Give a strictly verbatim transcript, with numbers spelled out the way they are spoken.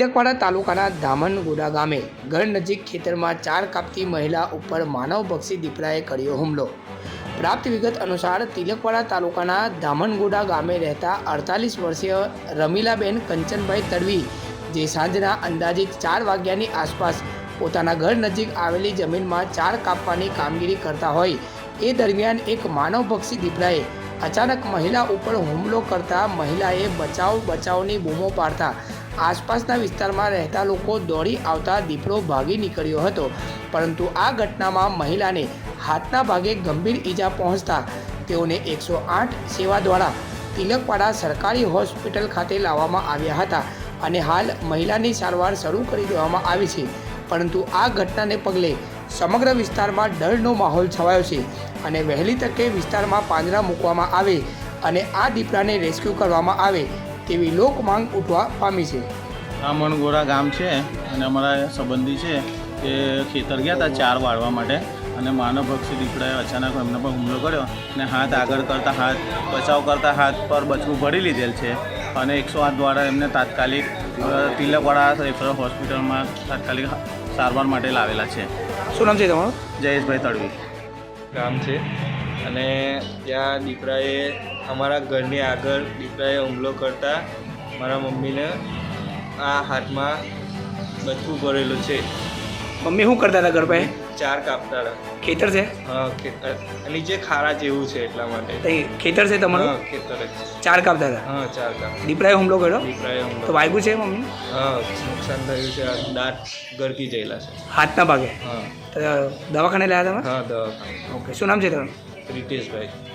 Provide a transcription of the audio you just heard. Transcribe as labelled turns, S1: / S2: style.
S1: તિલકવાડા તાલુકાના ધામનગોડા ગામે ઘર નજીક ખેતરમાં ચાર કાપતી મહિલા ઉપર માનવભક્ષી દીપડાએ કર્યો હુમલો। પ્રાપ્ત વિગત અનુસાર તિલકવાડા તાલુકાના ધામનગોડા ગામે રહેતા અડતાલીસ વર્ષીય રમીલાબેન કંચનભાઈ તડવી, જે સાંજના અંદાજિત ચાર વાગ્યાની આસપાસ પોતાના ઘર નજીક આવેલી જમીનમાં ચાર કાપવાની કામગીરી કરતા હોય એ દરમિયાન એક માનવભક્ષી દીપડાએ અચાનક મહિલા ઉપર હુમલો કરતા મહિલાએ બચાવ બચાવની બૂમો પાડતા આસપાસના વિસ્તારમાં રહેતા લોકો દોડી આવતા દીપડો ભાગી નીકળ્યો હતો, પરંતુ આ ઘટનામાં મહિલાને હાથના ભાગે ગંભીર ઈજા પહોંચતા તેઓને એકસો આઠ સેવા દ્વારા તિલકવાડા સરકારી હોસ્પિટલ ખાતે લાવવામાં આવ્યા હતા અને હાલ મહિલાની સારવાર શરૂ કરી દેવામાં આવી છે। પરંતુ આ ઘટનાને પગલે સમગ્ર વિસ્તારમાં ડરનો માહોલ છવાયો છે અને વહેલી તકે વિસ્તારમાં પાંજરા મૂકવામાં આવે અને આ દીપડાને રેસ્ક્યુ કરવામાં આવે તેવી લોક માંગ ઉઠવા પામી છે।
S2: ધામનગોડા ગામ છે અને અમારા સંબંધી છે એ ખેતર ગયા હતા ચાર વાળવા માટે અને માનવભક્ષી દીપડાએ અચાનક એમના પર હુમલો કર્યો અને હાથ આગળ કરતાં હાથ બચાવ કરતાં હાથ પર બચવું ભરી લીધેલ છે અને એકસો આઠ દ્વારા એમને તાત્કાલિક તિલકવાડા રેફરલ હોસ્પિટલમાં તાત્કાલિક સારવાર માટે લાવેલા છે।
S1: શું નામ છે તમારું?
S2: જયેશભાઈ તડવી
S3: ગામ છે અને ત્યાં દીપડાએ અમારા ઘરની આગળ દીપડાએ હુમલો કરતા મારા મમ્મીને આ હાથમાં બચવું ભરેલું છે।
S1: મમ્મી શું કરતા હતા ઘર પાસે?
S3: ચાર કાપતા હતા।
S1: ખેતર છે?
S3: હા, ખેતર નીચે ખારા જેવું છે એટલા માટે।
S1: તઈ ખેતર છે તમારું?
S3: હા, ખેતર જ।
S1: ચાર કાપતા હતા?
S3: હા, ચાર કાપ
S1: દીપડાએ હુમલો કર્યો?
S3: દીપડાએ
S1: તો
S3: હુમલો
S1: વાગ્યું છે મમ્મી?
S3: હા, નુકસાન થયું છે, દાંત ગરકી ગયેલા છે।
S1: હાથના ભાગે?
S3: હા
S1: તો દવાખાને લાવ્યા તમે?
S3: હા, દવાખાને।
S1: ઓકે, શું નામ છે તમારું?
S3: રીતેશભાઈ।